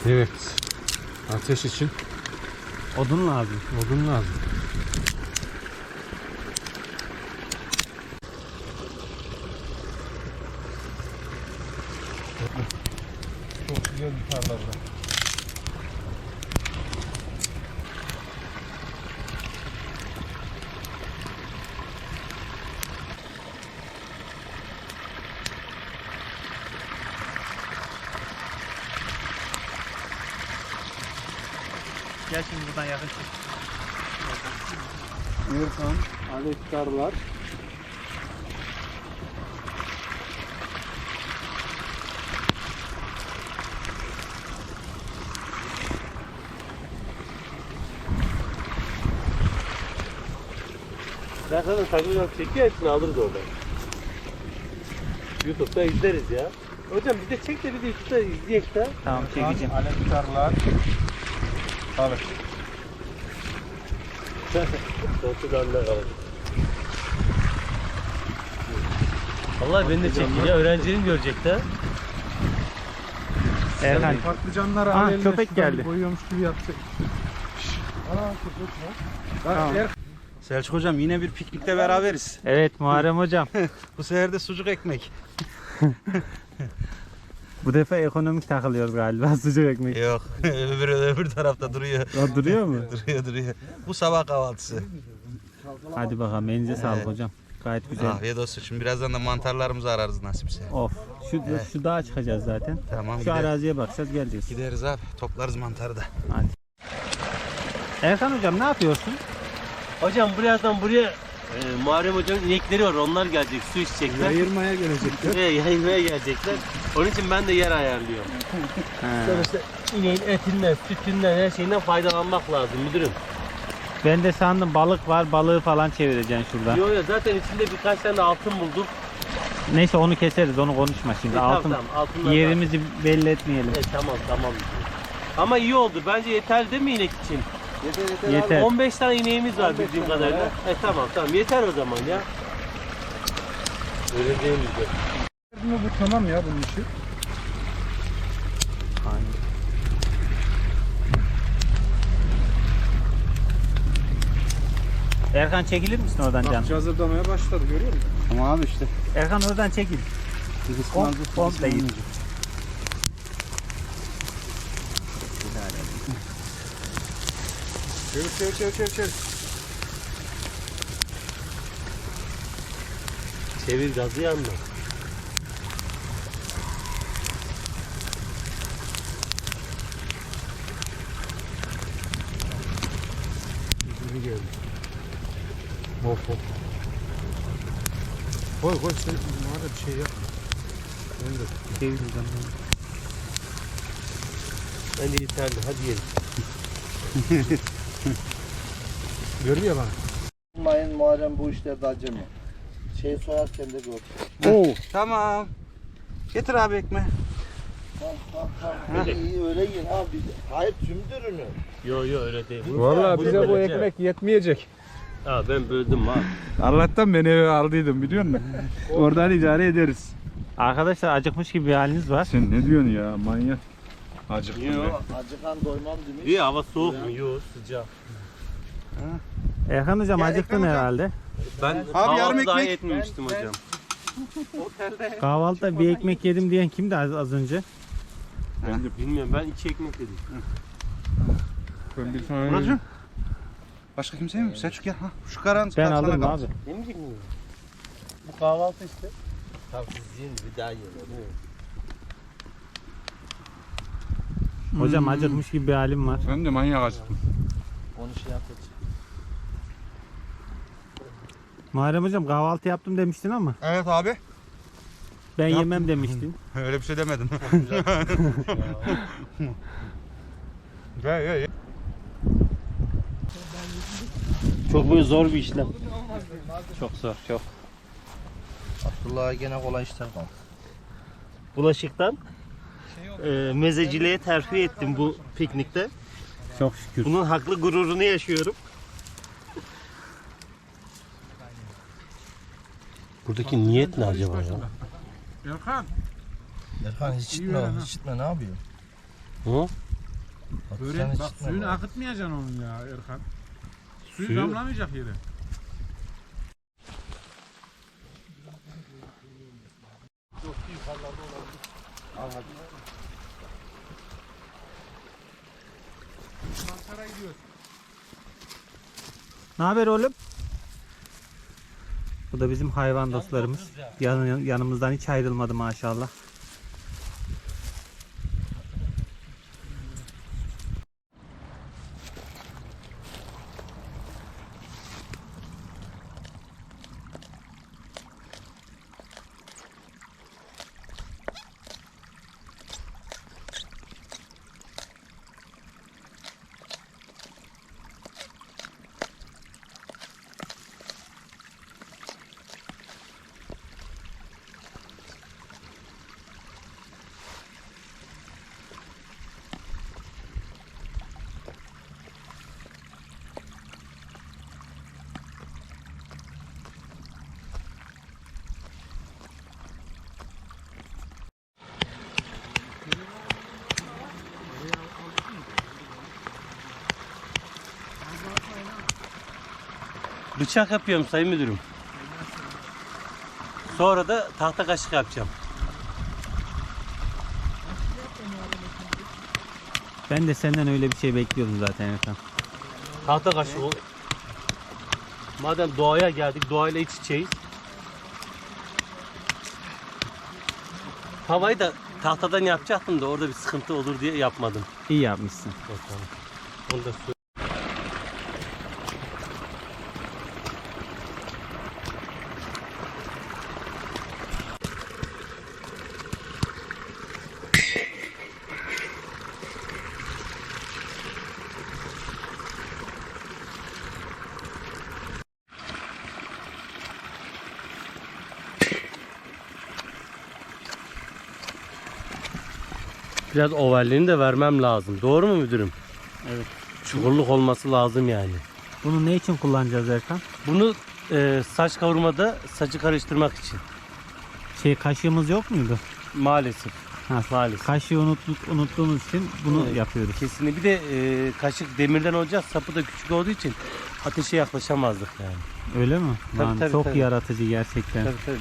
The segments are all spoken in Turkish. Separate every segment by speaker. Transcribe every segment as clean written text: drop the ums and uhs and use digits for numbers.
Speaker 1: Evet. Ateş için
Speaker 2: Odun lazım.
Speaker 1: odun lazım. Çok güzel bir tarla burada.
Speaker 2: Gel şimdi buradan yakın çek.
Speaker 1: Erkan, alektarlar.
Speaker 3: Ben zaten takılacağım çekiyor, hepsini alırız oradan. YouTube'da izleriz ya. Hocam bir de çek de bir de YouTube'da izleyek de.
Speaker 2: Tamam çekeceğim.
Speaker 1: Alektarlar. Balık.
Speaker 3: Korkudanlar alır. Vallahi beni de çekiyor ya, öğrencilerim görecek de.
Speaker 2: Erkan.
Speaker 1: Patlıcanları
Speaker 2: Ah,
Speaker 1: al eline,
Speaker 2: köpek
Speaker 1: şuradan
Speaker 2: geldi.
Speaker 1: boyuyormuş gibi yapacak. Ana köpek var.
Speaker 2: Tamam.
Speaker 4: Selçuk hocam yine bir piknikte beraberiz.
Speaker 2: Evet Muharrem hocam.
Speaker 4: Bu sefer de sucuk ekmek.
Speaker 2: Bu defa ekonomik takılıyoruz galiba sucuk ekmek.
Speaker 4: Yok öbür tarafta duruyor.
Speaker 2: O duruyor mu?
Speaker 4: duruyor. Bu sabah kahvaltısı.
Speaker 2: Hadi bakalım elinize sağlık hocam. Gayet güzel.
Speaker 4: Afiyet olsun. Şimdi birazdan da mantarlarımızı ararız nasipse.
Speaker 2: Of. Şu dağa çıkacağız zaten.
Speaker 4: Tamam
Speaker 2: Şu
Speaker 4: gideriz.
Speaker 2: araziye bakacağız geleceğiz.
Speaker 4: Gideriz abi. Toplarız mantarı da.
Speaker 2: Hadi. Erkan hocam ne yapıyorsun?
Speaker 3: Hocam birazdan buraya Muharrem Hoca'nın inekleri var, onlar gelecek, su içecekler.
Speaker 1: Ayırmaya gelecekler.
Speaker 3: Ve yayılmaya gelecekler. Onun için ben de yer ayarlıyorum. Sonuçta ineğin etinden, sütünden, her şeyinden faydalanmak lazım müdürüm.
Speaker 2: Ben de sandım balık var, balığı falan çevireceksin şurada.
Speaker 3: Yo zaten içinde birkaç tane altın bulduk.
Speaker 2: Neyse onu keseriz, onu konuşma şimdi.
Speaker 3: Tamam,
Speaker 2: Altın
Speaker 3: tamam, altınları
Speaker 2: yerimizi belli etmeyelim.
Speaker 3: Tamam. Ama iyi oldu. Bence yeterli değil mi inek için?
Speaker 2: Yeter.
Speaker 3: 15 tane ineğimiz var bildiğim kadarıyla. Tamam yeter o zaman ya. Öyle değil mi?
Speaker 1: Bu tamam ya bunun işi.
Speaker 2: Erkan çekilir misin oradan canım?
Speaker 1: Akçe hazırlamaya başladı, görüyor musun?
Speaker 4: Ama abi işte.
Speaker 2: Erkan oradan çekil. Komple git.
Speaker 1: Çevir.
Speaker 3: Çevir gazı yanma.
Speaker 1: Yüzünü geldi. Of. Koy sen bana da bir şey yapma. Ben de
Speaker 2: Çevireceğim.
Speaker 3: Bence yeterli. Hadi yiyelim.
Speaker 1: görüyor bana.
Speaker 5: Mayın Muharrem bu işlerde acemi. Şey soyarken de gör.
Speaker 2: Oo.
Speaker 4: Tamam. Getir abi ekmeği.
Speaker 5: Tamam. İyi öyle yiyin abi. Hayır tüm ürünü.
Speaker 3: Yo öyle değil.
Speaker 1: Vallahi bize bu
Speaker 3: böleceğim.
Speaker 1: ekmek yetmeyecek.
Speaker 3: Ben böldüm ha.
Speaker 1: Allah'tan ben eve aldıydım biliyor musun? Oradan idare ederiz.
Speaker 2: Arkadaşlar acıkmış gibi bir haliniz var.
Speaker 1: Sen ne diyorsun ya manyak? Acıktım
Speaker 3: Yo.
Speaker 1: ben.
Speaker 5: Acıkan doymam demiş.
Speaker 3: İyi hava soğuk mu? Yo sıcak.
Speaker 2: Erkan hocam
Speaker 4: Ya
Speaker 2: acıktın
Speaker 4: Erkan hocam.
Speaker 2: herhalde.
Speaker 3: Ben
Speaker 4: yarım
Speaker 3: kahvaltı daha
Speaker 4: ekmek.
Speaker 3: etmemiştim hocam.
Speaker 2: Kahvaltıda bir ekmek yedim diyen kimdi az önce?
Speaker 1: Ben de
Speaker 3: Bilmiyorum, ben 2 ekmek yedim.
Speaker 1: ben bir tane.
Speaker 4: Buracığım. Başka kimse mi? Selçuk gel. Ha, şu karan
Speaker 2: Ben
Speaker 4: sana
Speaker 2: alırım
Speaker 4: kalsın.
Speaker 2: abi.
Speaker 3: Yemeyecek miyim? Bu kahvaltı işte. Tamam siz yiyin, bir daha yiyin.
Speaker 2: Hocam acıkmış gibi bir halim var.
Speaker 1: Ben de manyak acıktım.
Speaker 5: Onu şey yapacağım.
Speaker 2: Muharrem hocam kahvaltı yaptım demiştin ama
Speaker 4: Evet abi.
Speaker 2: ben
Speaker 4: Yaptım.
Speaker 2: yemem demiştin.
Speaker 4: Öyle bir şey demedim. Gel.
Speaker 3: Çok böyle zor bir işlem.
Speaker 2: Çok zor, çok.
Speaker 5: Abdullah'a gene kolay işler var.
Speaker 3: Bulaşıktan mezeciliğe terfi ettim bu piknikte.
Speaker 2: Çok şükür.
Speaker 3: Bunun haklı gururunu yaşıyorum. Buradaki niyet ne acaba ya?
Speaker 1: Erkan.
Speaker 5: Erkan hiç içme ne yapıyor?
Speaker 3: Hı?
Speaker 1: Böyle bak suyunu akıtmayacaksın onun ya Erkan. Suyu damlamayacak yere.
Speaker 2: Ne haber oğlum? Bu da bizim hayvan dostlarımız. Yanımızdan hiç ayrılmadı maşallah.
Speaker 3: Bıçak yapıyorum sayın müdürüm. Sonra da tahta kaşık yapacağım.
Speaker 2: Ben de senden öyle bir şey bekliyordum zaten Erkan.
Speaker 3: Tahta kaşık ol. Madem doğaya geldik, doğayla iç içeyiz. Tavayı da tahtadan yapacaktım da orada bir sıkıntı olur diye yapmadım.
Speaker 2: İyi yapmışsın.
Speaker 3: Bakalım. Onu da söyle. Biraz ovalliğini de vermem lazım. Doğru mu müdürüm?
Speaker 2: Evet.
Speaker 3: Çukurluk olması lazım yani.
Speaker 2: Bunu ne için kullanacağız Erkan?
Speaker 3: Bunu saç kavurmada saçı karıştırmak için.
Speaker 2: Kaşığımız yok muydu?
Speaker 3: Maalesef.
Speaker 2: Ha,
Speaker 3: Maalesef.
Speaker 2: kaşığı unuttuğumuz için bunu
Speaker 3: Evet,
Speaker 2: yapıyoruz.
Speaker 3: Kesinlikle. Bir de kaşık demirden olacak. Sapı da küçük olduğu için ateşe yaklaşamazdık yani.
Speaker 2: Öyle mi?
Speaker 3: Tabii,
Speaker 2: Lan,
Speaker 3: tabii,
Speaker 2: çok
Speaker 3: tabii.
Speaker 2: yaratıcı gerçekten.
Speaker 3: Tabii tabii.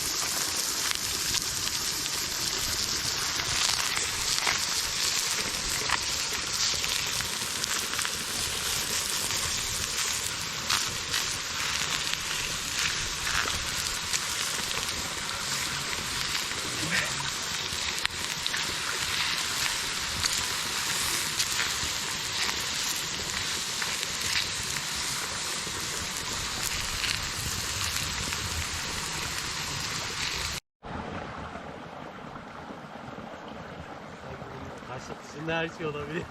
Speaker 3: Kaşık dışında her şey olabilir.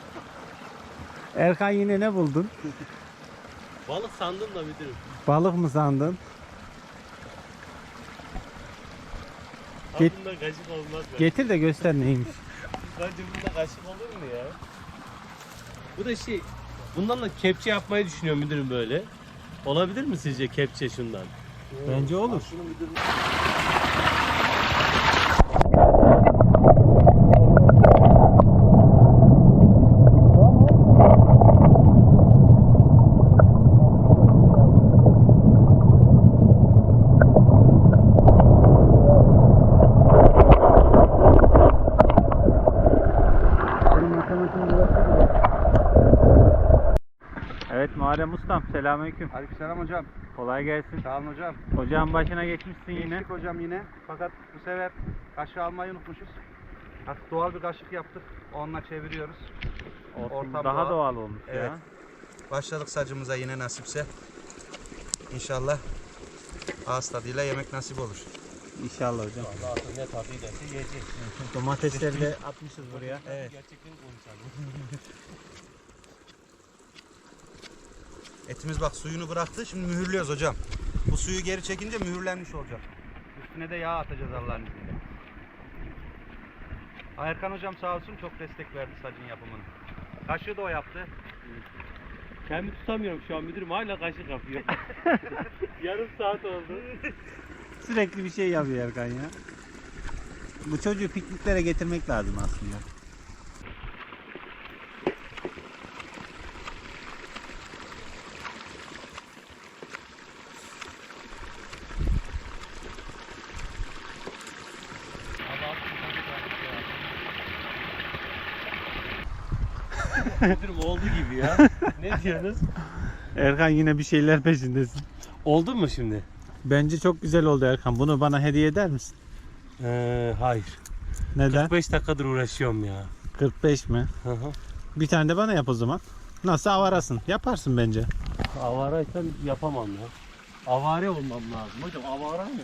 Speaker 2: Erkan yine ne buldun?
Speaker 3: Balık sandım da müdürüm.
Speaker 2: Balık mı sandın? Get-
Speaker 3: Bunda kaşık olmaz be.
Speaker 2: Getir de göster neymiş.
Speaker 3: Bence bunda kaşık olur mu ya? Bu da bundan da kepçe yapmayı düşünüyorum müdürüm böyle. Olabilir mi sizce kepçe şundan?
Speaker 2: Bence olur. Evet Muharrem Ustam, selamünaleyküm.
Speaker 4: Aleykümselam hocam.
Speaker 2: Kolay gelsin.
Speaker 4: Sağ olun hocam.
Speaker 2: Ocağın başına geçmişsin yine.
Speaker 4: Geçtik hocam yine. Fakat bu sefer kaşığı almayı unutmuşuz. Artık doğal bir kaşık yaptık. Onunla çeviriyoruz.
Speaker 2: Olsun,
Speaker 4: Ortam
Speaker 2: daha doğal olmuş
Speaker 4: Evet.
Speaker 2: ya.
Speaker 4: Başladık sacımıza yine nasipse. İnşallah ağız tadıyla yemek nasip olur.
Speaker 2: İnşallah hocam.
Speaker 3: Allah artık ne tadıyla yiyecek.
Speaker 2: Domatesleri de atmışız buraya.
Speaker 4: Evet.
Speaker 3: Gerçekten konuşalım.
Speaker 4: Etimiz bak suyunu bıraktı. Şimdi mühürlüyoruz hocam. Bu suyu geri çekince mühürlenmiş olacak. Üstüne de yağ atacağız Allah'ın izniyle. Erkan hocam sağ olsun çok destek verdi sacın yapımını. Kaşığı da o yaptı.
Speaker 3: Kendimi tutamıyorum şu an müdürüm hala kaşık yapıyor. Yarım saat oldu.
Speaker 2: Sürekli bir şey yapıyor Erkan ya. Bu çocuğu pikniklere getirmek lazım aslında.
Speaker 3: Müdürüm oldu gibi ya. Ne diyorsunuz?
Speaker 2: Erkan yine bir şeyler peşindesin.
Speaker 3: Oldu mu şimdi?
Speaker 2: Bence çok güzel oldu Erkan. Bunu bana hediye eder misin?
Speaker 3: Hayır.
Speaker 2: Neden?
Speaker 3: 45 dakikadır uğraşıyorum ya.
Speaker 2: 45 mi?
Speaker 3: Hı hı.
Speaker 2: Bir tane de bana yap o zaman. Nasıl avarasın? Yaparsın bence.
Speaker 3: Avaraysan yapamam ya. Avare olmam lazım. Hocam avara mı?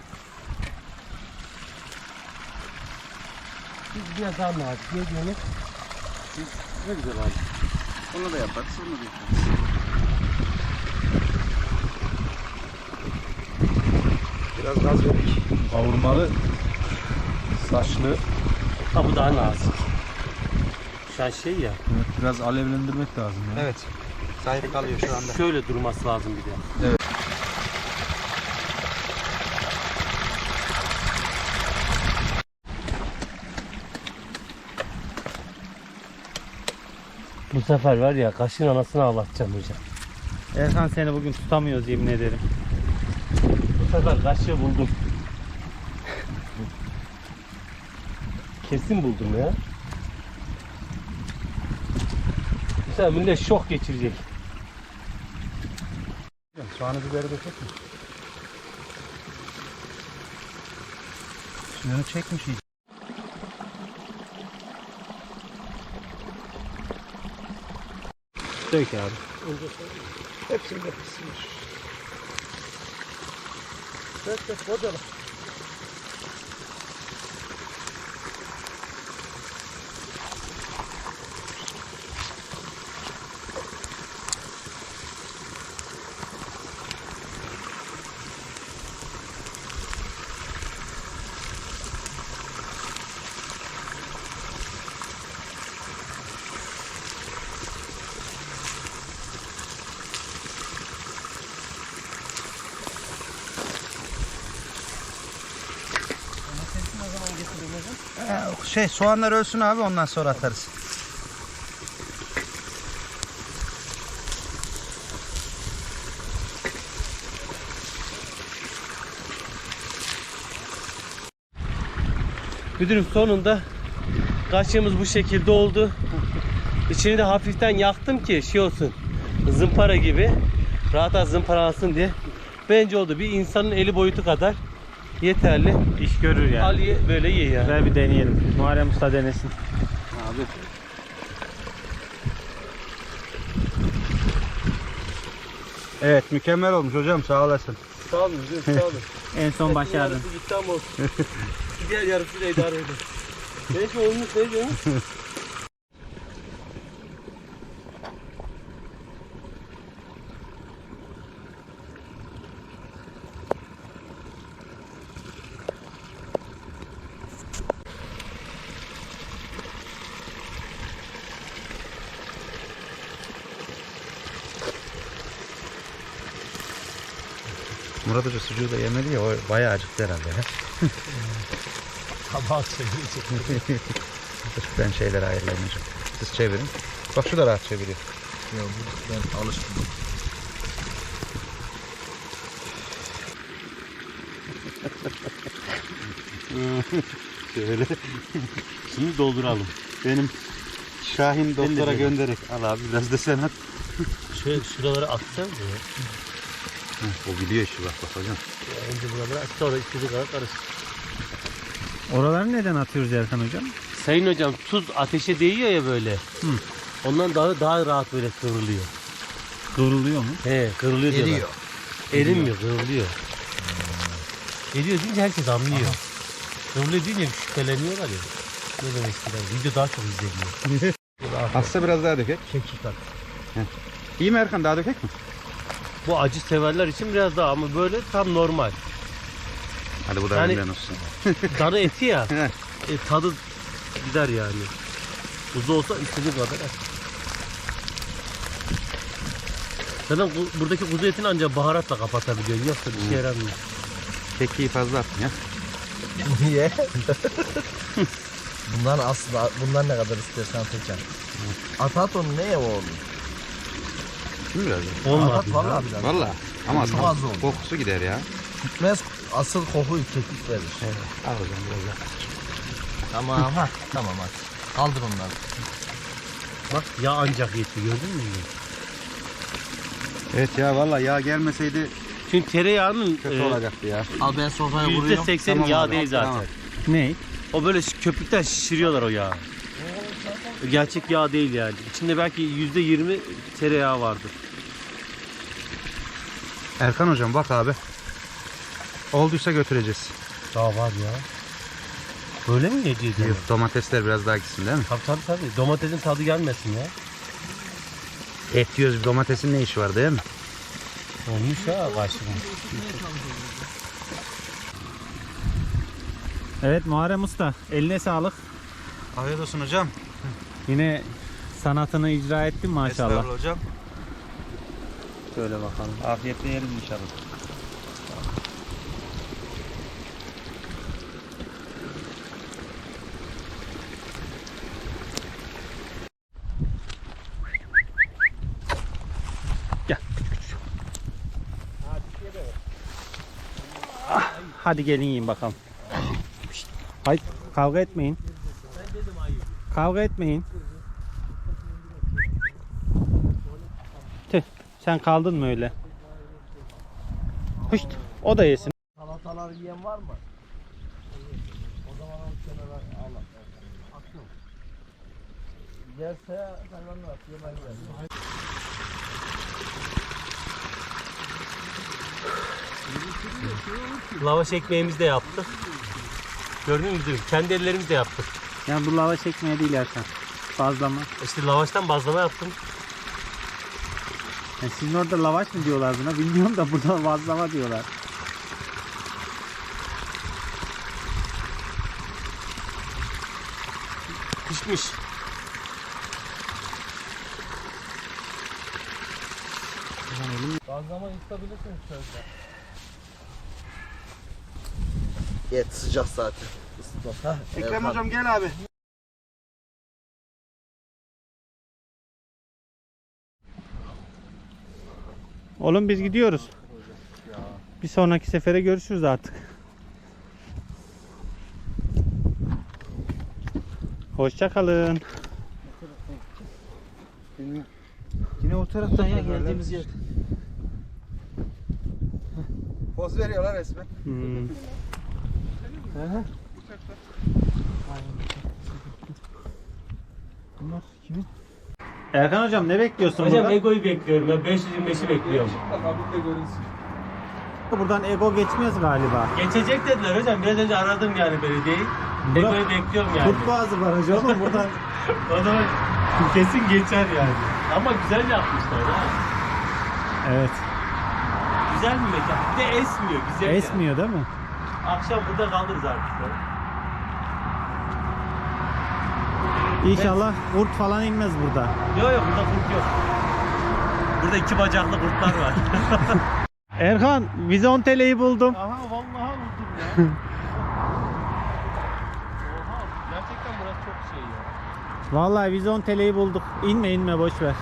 Speaker 3: Biz biraz daha nazik. Ne diyorsunuz? Ne güzel abi.
Speaker 4: Onu da yaparız, onu da yaparız. Biraz gaz verdik.
Speaker 1: Kavurmalı saçlı.
Speaker 3: Ha bu daha nazik. Şu an şey ya.
Speaker 1: Biraz alevlendirmek lazım ya.
Speaker 4: Evet. Sahip kalıyor şu anda.
Speaker 3: Şöyle durması lazım bir de.
Speaker 1: Evet.
Speaker 3: Bu sefer var ya kaşın anasını ağlatacağım hocam.
Speaker 2: Erkan seni bugün tutamıyoruz yemin ederim.
Speaker 3: Bu sefer kaşığı buldum. Kesin buldum ya. Bu sefer millet şok geçirecek.
Speaker 4: Soğanı biberi dökecek mi? Suyunu çekmiş iyice.
Speaker 2: Dök abi.
Speaker 4: Hepsini dökmüşsünüz. Dök kocaman. Soğanlar ölsün abi, ondan sonra atarız.
Speaker 3: Müdürüm sonunda kaşığımız bu şekilde oldu. İçini de hafiften yaktım ki şey olsun. Zımpara gibi. Rahat zımparalasın diye. Bence oldu. Bir insanın eli boyutu kadar yeterli.
Speaker 2: İş görür yani.
Speaker 3: Al ye, böyle ye ya.
Speaker 2: Ver bir deneyelim. Muharrem Usta denesin.
Speaker 4: Abi. Evet, mükemmel olmuş hocam, sağ olasın.
Speaker 3: Sağ olun müdürüm, sağ olun.
Speaker 2: En son başardın.
Speaker 3: Yarısı gitti ama olsun. Diğer yarısıyla idare edin. Neyse olmuş, neyse olmuş.
Speaker 4: Murat Hoca sucuğu da yemedi ya, o bayağı acıktı herhalde ya.
Speaker 3: Kabak çevirecek.
Speaker 4: Ben şeyleri ayarlayayım hocam. Siz çevirin. Bak şu da rahat çeviriyor.
Speaker 5: Ya ben alıştım.
Speaker 3: Şöyle. Şimdi dolduralım.
Speaker 4: Benim Şahin doktora göndererek. Al abi, biraz da sen at.
Speaker 3: Şöyle şuraları atacağım ya.
Speaker 4: O biliyor işi, bak hocam.
Speaker 3: Önce buraları at, sonra istediği kadar karıştır.
Speaker 2: Oraları neden atıyoruz Erkan hocam?
Speaker 3: Sayın hocam, tuz ateşe değiyor ya böyle. Ondan daha rahat böyle kıvrılıyor.
Speaker 2: Kıvrılıyor mu?
Speaker 3: He, kırılıyor diyorlar.
Speaker 5: Eriyor.
Speaker 3: Erinmiyor, kırılıyor. Eriyor deyince herkes anlıyor. Kırılıyor deyince şüpheleniyorlar ya. Ne demek istiyorlar? Video daha çok izleniyor.
Speaker 4: Hasta biraz daha dökek.
Speaker 3: Kekik at.
Speaker 4: İyi mi Erkan, daha dökek mi?
Speaker 3: Bu acı severler için biraz daha ama böyle tam normal.
Speaker 4: Hadi bu da
Speaker 3: Yani-
Speaker 4: benden olsun.
Speaker 3: Darı eti ya.
Speaker 4: He.
Speaker 3: Tadı gider yani. Kuzu olsa istediği kadar et. Zaten buradaki kuzu etini ancak baharatla kapatabiliyor. Yoksa bir şey yaramıyor.
Speaker 4: Kekiği fazla attın ya.
Speaker 5: Niye? bundan ne kadar istersen seçer. At onu neye oğlum?
Speaker 4: Şimdi biraz da.
Speaker 3: Olmadı.
Speaker 5: At vallahi biraz.
Speaker 4: Valla. Ama
Speaker 5: Çok az oldu.
Speaker 4: kokusu gider ya.
Speaker 5: Gitmez, asıl kokuyu kekik verir.
Speaker 4: Al hocam biraz daha.
Speaker 5: Tamam ha. Tamam hadi. Kaldır onları.
Speaker 3: Bak yağ ancak yetti, gördün mü?
Speaker 4: Evet ya vallahi yağ gelmeseydi
Speaker 3: Çünkü tereyağının
Speaker 4: kötü olacaktı ya.
Speaker 5: Al ben sofraya vuruyorum.
Speaker 3: %80
Speaker 4: Tamam
Speaker 3: yağ
Speaker 4: abi,
Speaker 3: değil zaten.
Speaker 4: tamam.
Speaker 2: Ne?
Speaker 3: O böyle köpükten şişiriyorlar o yağı. Gerçek yağ değil yani. İçinde belki %20 tereyağı vardır.
Speaker 4: Erkan hocam bak abi. Olduysa götüreceğiz.
Speaker 3: Daha var ya. Böyle mi yiyeceğiz?
Speaker 4: Yok, domatesler biraz daha gitsin değil mi?
Speaker 3: Tabii. Domatesin tadı gelmesin ya.
Speaker 4: Et yiyoruz, domatesin ne işi var değil mi?
Speaker 3: Olmuş ya kaşık.
Speaker 2: Evet Muharrem Usta, eline sağlık.
Speaker 4: Afiyet olsun hocam.
Speaker 2: Yine sanatını icra ettin maşallah.
Speaker 4: Estağfurullah hocam.
Speaker 2: Şöyle bakalım.
Speaker 4: Afiyetle yeriz inşallah.
Speaker 2: Hadi gelin yiyin bakalım. Hayır, kavga etmeyin. Kavga etmeyin. Tüh, sen kaldın mı öyle? Hışt, o da yesin.
Speaker 5: Salatalar yiyen var mı? O zaman onu kenara al. Atıyorum. Yerse hayvanlar yemez yani.
Speaker 3: Lavaş ekmeğimizi de yaptık. Gördün mü bizim? Kendi ellerimizle yaptık.
Speaker 2: Yani bu lavaş ekmeği değil Erkan. Bazlama.
Speaker 3: İşte lavaştan bazlama yaptım.
Speaker 2: Yani sizin orada lavaş mı diyorlar buna bilmiyorum da burada bazlama diyorlar.
Speaker 3: Pişmiş.
Speaker 5: Bazlama istabilirsiniz sözde. Et sıcak zaten. Isıtmaz.
Speaker 4: Ekrem hocam gel abi.
Speaker 2: Oğlum biz gidiyoruz. Bir sonraki sefere görüşürüz artık. Hoşça kalın.
Speaker 4: Yine o taraftan ya
Speaker 5: Geldiğimiz yer.
Speaker 4: Poz veriyorlar resmen.
Speaker 2: Hmm.
Speaker 5: Bunlar kimin?
Speaker 2: Erkan hocam ne bekliyorsun
Speaker 3: Hocam
Speaker 2: buradan?
Speaker 3: Ego'yu bekliyorum. Ben 525'i bekliyorum.
Speaker 2: Buradan ego geçmez galiba.
Speaker 3: Geçecek dediler hocam. Biraz önce aradım yani belediyeyi. Ego'yu bekliyorum yani.
Speaker 2: Kurtboğazı barajı oğlum buradan.
Speaker 3: O zaman kesin geçer yani. Ama güzel yapmışlar ha.
Speaker 2: Evet.
Speaker 3: Güzel bir mekan. Bir de esmiyor. Güzel yani.
Speaker 2: Esmiyor değil mi?
Speaker 3: Akşam burada kalırız artık.
Speaker 2: İnşallah kurt falan inmez burada.
Speaker 3: Yok burada kurt yok. Burada 2 bacaklı kurtlar var.
Speaker 2: Erkan, vizonteleyi buldum.
Speaker 3: Aha vallahi buldum ya. Oha gerçekten burası çok şey ya.
Speaker 2: Vallahi vizonteleyi bulduk. İnme boş ver.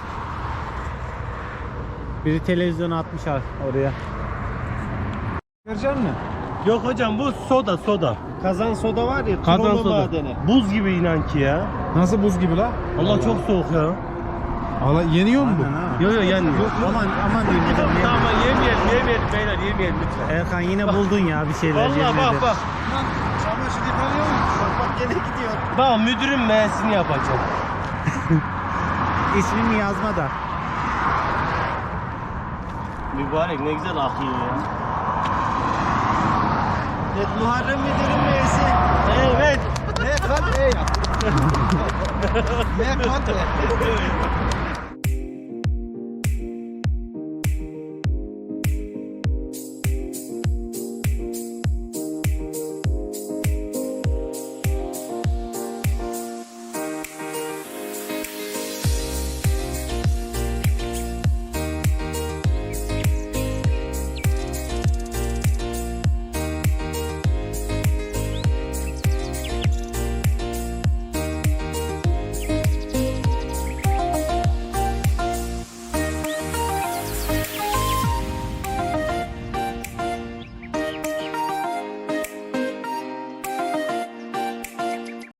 Speaker 2: Biri televizyonu atmış oraya.
Speaker 5: Verecek misin?
Speaker 3: Yok hocam bu soda.
Speaker 5: Kazan soda var ya.
Speaker 3: Kazan
Speaker 5: kroma
Speaker 3: soda.
Speaker 5: madeni.
Speaker 3: Buz gibi inan ki ya.
Speaker 5: Nasıl buz gibi la?
Speaker 3: Allah çok soğuk ya.
Speaker 5: Allah yeniyor mu
Speaker 2: Aynen ha.
Speaker 3: Yok yenmiyor.
Speaker 2: Aman diyeyim hocam.
Speaker 3: Tamam yemeyelim beyler yemeyelim lütfen.
Speaker 2: Erkan yine buldun ya bir şeyler.
Speaker 3: Vallahi
Speaker 2: yemin ederim.
Speaker 3: bak.
Speaker 5: Çamaşır yıkanıyor mu? Bak gene gidiyor.
Speaker 3: Bak müdürün meğesini yapacağım.
Speaker 2: İsmini yazma da.
Speaker 3: Mübarek ne güzel akıyor ya.
Speaker 5: Evet, Muharrem Müdür'ün meyesi.
Speaker 3: Evet.
Speaker 5: Ne kan? Ne kan?